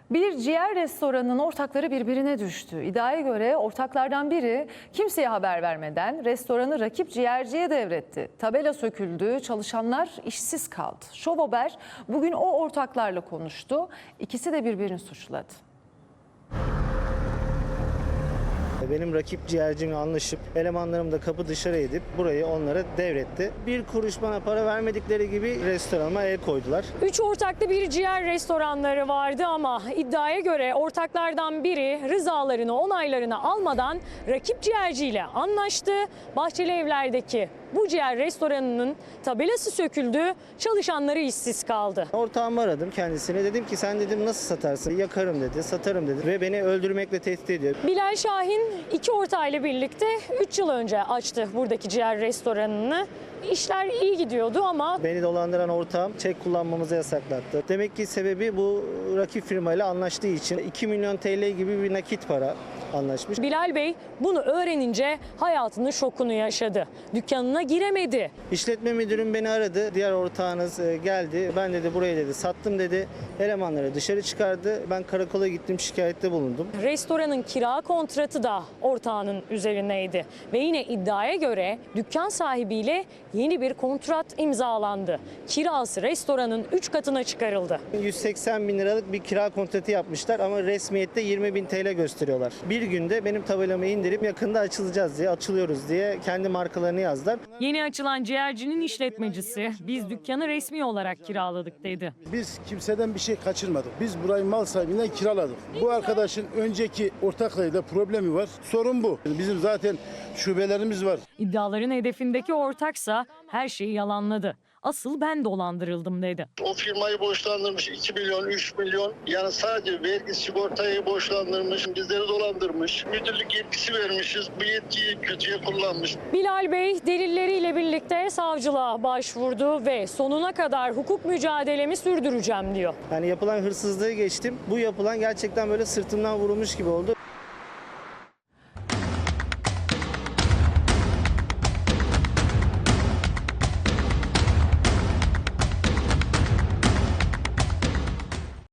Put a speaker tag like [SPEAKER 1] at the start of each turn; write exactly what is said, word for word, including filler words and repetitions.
[SPEAKER 1] Bir ciğer restoranının ortakları birbirine düştü. İddiaya göre ortaklardan biri kimseye haber vermeden restoranı rakip ciğerciye devretti. Tabela söküldü, çalışanlar işsiz kaldı. Şov Haber bugün o ortaklarla konuştu. İkisi de birbirini suçladı.
[SPEAKER 2] Benim rakip ciğercimle anlaşıp elemanlarımı da kapı dışarı edip burayı onlara devretti. Bir kuruş bana para vermedikleri gibi restoranıma el koydular.
[SPEAKER 3] Üç ortaklı bir ciğer restoranları vardı ama iddiaya göre ortaklardan biri rızalarını, onaylarını almadan rakip ciğerciyle anlaştı. Bahçeli Evler'deki bu ciğer restoranının tabelası söküldü, çalışanları işsiz kaldı.
[SPEAKER 2] Ortağımı aradım kendisine. Dedim ki sen dedim nasıl satarsın? Yakarım dedi, satarım dedi ve beni öldürmekle tehdit ediyor.
[SPEAKER 3] Bilal Şahin iki ortağıyla birlikte üç yıl önce açtı buradaki ciğer restoranını. İşler iyi gidiyordu ama
[SPEAKER 2] Beni dolandıran ortağım çek kullanmamızı yasaklattı. Demek ki sebebi bu rakip firmayla anlaştığı için iki milyon T L gibi bir nakit para anlaşmış.
[SPEAKER 3] Bilal Bey bunu öğrenince hayatının şokunu yaşadı. Dükkanına giremedi.
[SPEAKER 2] İşletme müdürüm beni aradı. Diğer ortağınız e, geldi. Ben dedi burayı dedi sattım dedi. Elemanları dışarı çıkardı. Ben karakola gittim, şikayette bulundum.
[SPEAKER 3] Restoranın kira kontratı da ortağının üzerineydi. Ve yine iddiaya göre dükkan sahibiyle yeni bir kontrat imzalandı. Kirası restoranın üç katına çıkarıldı.
[SPEAKER 2] yüz seksen bin liralık bir kira kontratı yapmışlar ama resmiyette yirmi bin T L gösteriyorlar. Bir günde benim tabelamı indirip yakında açılacağız diye, açılıyoruz diye kendi markalarını yazdılar.
[SPEAKER 3] Yeni açılan ciğercinin işletmecisi biz dükkanı resmi olarak kiraladık dedi.
[SPEAKER 4] Biz kimseden bir şey kaçırmadık. Biz burayı mal sahibinden kiraladık. Bu arkadaşın önceki ortaklarıyla problemi var. Sorun bu. Bizim zaten şubelerimiz var.
[SPEAKER 3] İddiaların hedefindeki ortaksa her şeyi yalanladı. Asıl ben dolandırıldım dedi.
[SPEAKER 5] O firmayı borçlandırmış iki milyon, üç milyon. Yani sadece vergi sigortayı borçlandırmış, bizleri dolandırmış. Müdürlük yetkisi vermişiz, bu yetkiyi kötüye kullanmış.
[SPEAKER 3] Bilal Bey delilleriyle birlikte savcılığa başvurdu ve sonuna kadar hukuk mücadelemi sürdüreceğim diyor.
[SPEAKER 2] Yani yapılan hırsızlığı geçtim. Bu yapılan gerçekten böyle sırtımdan vurulmuş gibi oldu.